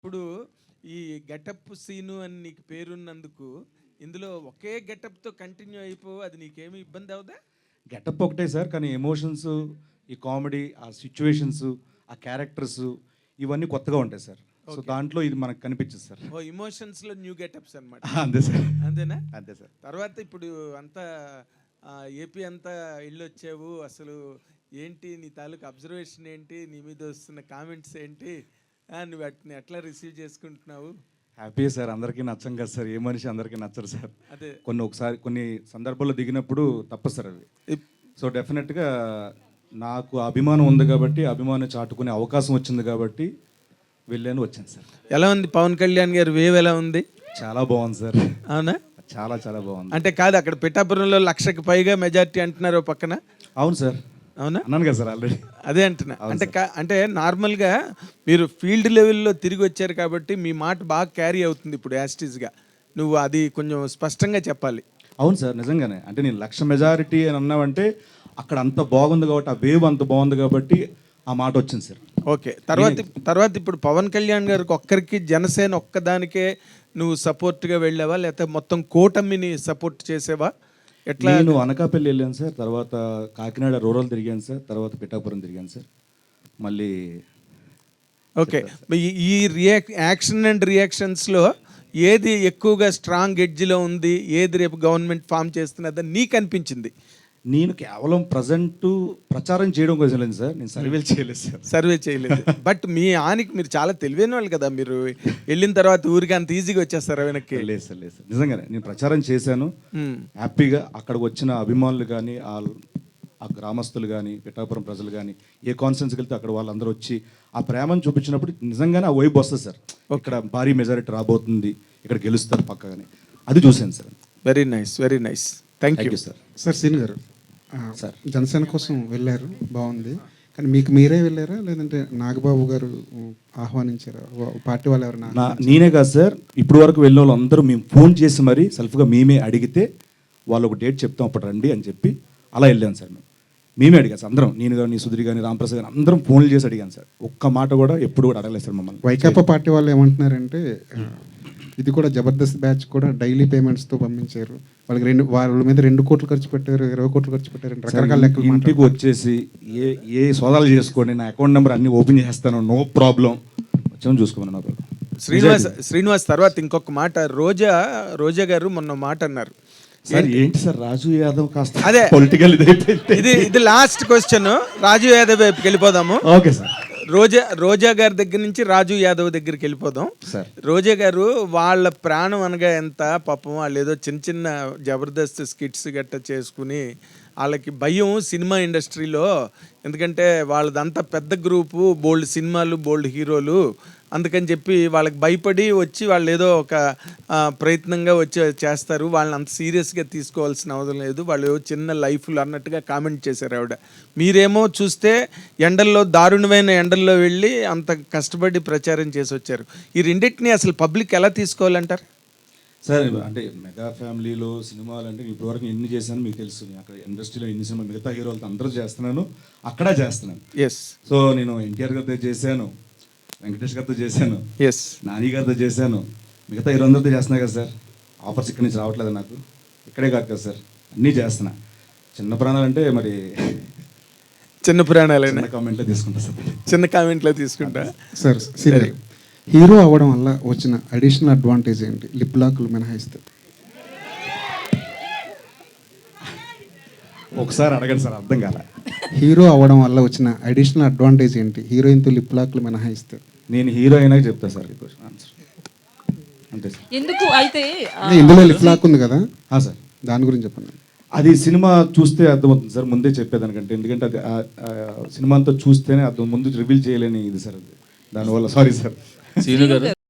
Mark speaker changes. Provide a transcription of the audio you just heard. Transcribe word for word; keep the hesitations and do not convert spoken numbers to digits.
Speaker 1: ఇప్పుడు ఈ getup scene అని నీకు పేరున్నందుకు ఇందులో ఒకే గెటప్తో కంటిన్యూ అయిపో, అది నీకేమి ఇబ్బంది అవుదా?
Speaker 2: గెటప్ ఒకటే సార్, కానీ ఎమోషన్స్, ఈ కామెడీ, ఆ సిచ్యువేషన్స్, ఆ క్యారెక్టర్స్ ఇవన్నీ కొత్తగా ఉంటాయి సార్. సో దాంట్లో ఇది మనకు కనిపించదు సార్.
Speaker 1: ఓ ఇమోషన్స్లో న్యూ గెటప్స్ అనమాట.
Speaker 2: అంతే సార్,
Speaker 1: అంతేనా?
Speaker 2: అంతే సార్.
Speaker 1: తర్వాత ఇప్పుడు అంతా ఏపీ అంతా ఇల్లు వచ్చావు, అసలు ఏంటి నీ తాలూకు అబ్జర్వేషన్ ఏంటి, నీ మీద వస్తున్న కామెంట్స్ ఏంటి, నువ్వు వాటిని ఎట్లా రిసీవ్ చేసుకుంటున్నావు?
Speaker 2: హ్యాపీ సార్, అందరికీ నచ్చం కదా సార్, ఏ మనిషి అందరికీ నచ్చరు సార్.
Speaker 1: అదే
Speaker 2: కొన్ని ఒకసారి కొన్ని సందర్భాల్లో దిగినప్పుడు తప్పదు సార్ అవి. సో డెఫినెట్గా నాకు అభిమానం ఉంది కాబట్టి, అభిమానం చాటుకునే అవకాశం వచ్చింది కాబట్టి వెళ్ళాను, వచ్చాను సార్.
Speaker 1: ఎలా ఉంది పవన్ కళ్యాణ్ గారు వేవ్, ఎలా ఉంది?
Speaker 2: చాలా బాగుంది సార్.
Speaker 1: అవునా?
Speaker 2: చాలా చాలా బాగుంది.
Speaker 1: అంటే కాదు, అక్కడ పిఠాపురంలో లక్షకు పైగా మెజారిటీ అంటున్నారు పక్కన.
Speaker 2: అవును సార్.
Speaker 1: అవునా?
Speaker 2: అన్నాను కదా సార్ ఆల్రెడీ.
Speaker 1: అదే అంటున్నా. అంటే అంటే నార్మల్గా మీరు ఫీల్డ్ లెవెల్లో తిరిగి వచ్చారు కాబట్టి మీ మాట బాగా క్యారీ అవుతుంది ఇప్పుడు యాస్టీస్గా. నువ్వు అది కొంచెం స్పష్టంగా చెప్పాలి.
Speaker 2: అవును సార్, నిజంగానే. అంటే నేను లక్ష మెజారిటీ అని అన్నావంటే అక్కడ అంత బాగుంది కాబట్టి, ఆ వేవ్ అంత బాగుంది కాబట్టి ఆ మాట వచ్చింది సార్.
Speaker 1: ఓకే. తర్వాత తర్వాత ఇప్పుడు పవన్ కళ్యాణ్ గారికి ఒక్కరికి, జనసేన ఒక్కదానికే నువ్వు సపోర్ట్గా వెళ్ళావా, లేకపోతే మొత్తం కూటమిని సపోర్ట్ చేసేవా? ఎట్లా?
Speaker 2: నేను అనకాపల్లి వెళ్ళాను సార్, తర్వాత కాకినాడ రూరల్ తిరిగాను సార్, తర్వాత పిఠాపురం తిరిగాను సార్. మళ్ళీ
Speaker 1: ఓకే. ఈ రియాక్ యాక్షన్ అండ్ రియాక్షన్స్లో ఏది ఎక్కువగా స్ట్రాంగ్ ఎడ్జ్లో ఉంది, ఏది రేపు గవర్నమెంట్ ఫామ్ చేస్తున్నదని నీకు అనిపించింది?
Speaker 2: నేను కేవలం ప్రజెంట్ ప్రచారం చేయడం కోసం లేదు సార్, నేను సర్వేలు చేయలేదు సార్.
Speaker 1: సర్వే చేయలేదు. బట్ మీ ఆనికి మీరు చాలా తెలివైన వాళ్ళు కదా, మీరు వెళ్ళిన తర్వాత ఊరికి అంత ఈజీగా వచ్చేస్తారు వెనక్కి?
Speaker 2: లేదు సార్, లేదు సార్, నిజంగానే నేను ప్రచారం చేశాను హ్యాపీగా. అక్కడికి వచ్చిన అభిమానులు కానీ, ఆ గ్రామస్తులు కానీ, పిఠాపురం ప్రజలు కానీ, ఏ కాన్ఫరెన్స్కి వెళ్తే అక్కడ వాళ్ళందరూ వచ్చి ఆ ప్రేమను చూపించినప్పుడు నిజంగానే ఆ వైబ్ వస్తుంది సార్. ఇక్కడ భారీ మెజారిటీ రాబోతుంది, ఇక్కడ గెలుస్తారు పక్కగానే, అది చూశాను sir.
Speaker 1: Very nice, very nice. Thank you
Speaker 2: sir.
Speaker 3: Sir సీన్ గారు, సార్ జనసేన కోసం వెళ్ళారు, బాగుంది. కానీ మీకు మీరే వెళ్ళారా, లేదంటే నాగబాబు గారు ఆహ్వానించారా? పార్టీ వాళ్ళు ఎవరైనా?
Speaker 2: నేనే కాదు సార్, ఇప్పుడు వరకు వెళ్ళిన వాళ్ళు అందరూ మేము ఫోన్ చేసి మరీ సెల్ఫ్గా మేమే అడిగితే వాళ్ళు ఒక డేట్ చెప్తాం అప్పుడు రండి అని చెప్పి అలా వెళ్ళాను సార్. మేము మేమే అడిగాను సార్ అందరం, నేను కానీ, సుధీర్ కానీ, రామప్రసాద్ కానీ అందరం ఫోన్లు చేసి అడిగాను సార్. ఒక్క మాట కూడా ఎప్పుడు కూడా అడగలేదు సార్ మమ్మల్ని.
Speaker 3: వైకాపా పార్టీ వాళ్ళు ఏమంటున్నారంటే ఇది కూడా జబర్దస్త్ బ్యాచ్ కూడా డైలీ పేమెంట్స్తో పంపించారు, వాళ్ళకి రెండు వాళ్ళ మీద రెండు కోట్లు ఖర్చు పెట్టారు, ఇరవై కోట్లు ఖర్చు పెట్టారు, రకరకాల లెక్కలు.
Speaker 2: ఇంటికి వచ్చేసి ఏ ఏ సోదాలు చేసుకోండి, నా అకౌంట్ నెంబర్ అన్ని ఓపెన్ చేస్తాను, నో ప్రాబ్లం, వచ్చాము చూసుకోమని నా ప్రాబ్లం.
Speaker 1: శ్రీనివాస్ శ్రీనివాస్ తర్వాత ఇంకొక మాట, రోజా రోజా గారు మొన్న మాట అన్నారు
Speaker 2: సార్. ఏంటి సార్, రాజు యాదవ్ కాస్త
Speaker 1: అదే
Speaker 2: పొలిటికల్
Speaker 1: ఇది ఇది లాస్ట్ క్వశ్చన్, రాజు యాదవ్ వైపుకి వెళ్ళిపోదాము.
Speaker 2: Okay sir.
Speaker 1: రోజా రోజా గారి దగ్గర నుంచి రాజు యాదవ్ దగ్గరికి వెళ్ళిపోదాం
Speaker 2: సార్.
Speaker 1: రోజా గారు వాళ్ళ ప్రాణం అనగా ఎంత పాపం, వాళ్ళు ఏదో చిన్న చిన్న జబర్దస్త్ స్కిట్స్ గట్ట చేసుకుని, వాళ్ళకి భయం సినిమా ఇండస్ట్రీలో, ఎందుకంటే వాళ్ళదంతా పెద్ద గ్రూపు, బోల్డ్ సినిమాలు, బోల్డ్ హీరోలు, అందుకని చెప్పి వాళ్ళకి భయపడి వచ్చి వాళ్ళు ఏదో ఒక ప్రయత్నంగా వచ్చి చేస్తారు, వాళ్ళని అంత సీరియస్గా తీసుకోవాల్సిన అవసరం లేదు, వాళ్ళు చిన్న లైఫ్లు అన్నట్టుగా కామెంట్ చేశారు ఆవిడ. మీరేమో చూస్తే ఎండల్లో, దారుణమైన ఎండల్లో వెళ్ళి అంత కష్టపడి ప్రచారం చేసి వచ్చారు. ఈ రెండింటిని అసలు పబ్లిక్ ఎలా తీసుకోవాలంటారు
Speaker 2: సార్? అంటే మెగా ఫ్యామిలీలో సినిమాలు అంటే ఇప్పటివరకు ఎన్ని చేశాను మీకు తెలుసు. అక్కడ ఇండస్ట్రీలో ఎన్ని సినిమా మిగతా హీరోలతో అందరూ చేస్తున్నాను, అక్కడ చేస్తున్నాను.
Speaker 1: ఎస్.
Speaker 2: సో నేను ఎన్టీఆర్ గారితో చేశాను, వెంకటేష్ గారితో చేశాను,
Speaker 1: ఎస్,
Speaker 2: నాని గారితో చేశాను, మిగతా హీరో అందరితో చేస్తున్నాయి కదా సార్. ఆఫర్స్ ఇక్కడి నుంచి రావట్లేదు నాకు, ఇక్కడే కాదు కదా సార్, అన్నీ చేస్తున్నా. చిన్న ప్రాణాలు అంటే మరి
Speaker 1: చిన్న ప్రాణాలైనా
Speaker 2: కామెంట్లో తీసుకుంటా సార్,
Speaker 1: చిన్న కామెంట్లో తీసుకుంటా
Speaker 3: సార్. సరే, హీరో అవ్వడం వల్ల వచ్చిన అడిషనల్ అడ్వాంటేజ్ ఏంటి, లిప్ లాక్లు మినహాయిస్తే?
Speaker 2: ఒకసారి అడగండి సార్, అర్థం కాల.
Speaker 3: హీరో అవ్వడం వల్ల వచ్చిన అడిషనల్ అడ్వాంటేజ్ ఏంటి, హీరోయిన్తో లిప్ లాక్లు మినహాయిస్తే?
Speaker 2: నేను హీరో అయినా చెప్తా సార్ ఈ క్వశ్చన్ ఆన్సర్. అంతే సార్.
Speaker 4: ఎందుకు అయితే
Speaker 3: ఇందులో లిప్ లాక్ ఉంది కదా
Speaker 2: సార్,
Speaker 3: దాని గురించి చెప్పండి.
Speaker 2: అది సినిమా చూస్తే అర్థమవుతుంది సార్, ముందే చెప్పేదానికంటే, ఎందుకంటే అది సినిమా అంతా చూస్తేనే అర్థం, ముందు రివీల్ చేయలేని ఇది సార్ అది, దానివల్ల సారీ సార్.
Speaker 5: సీను గారు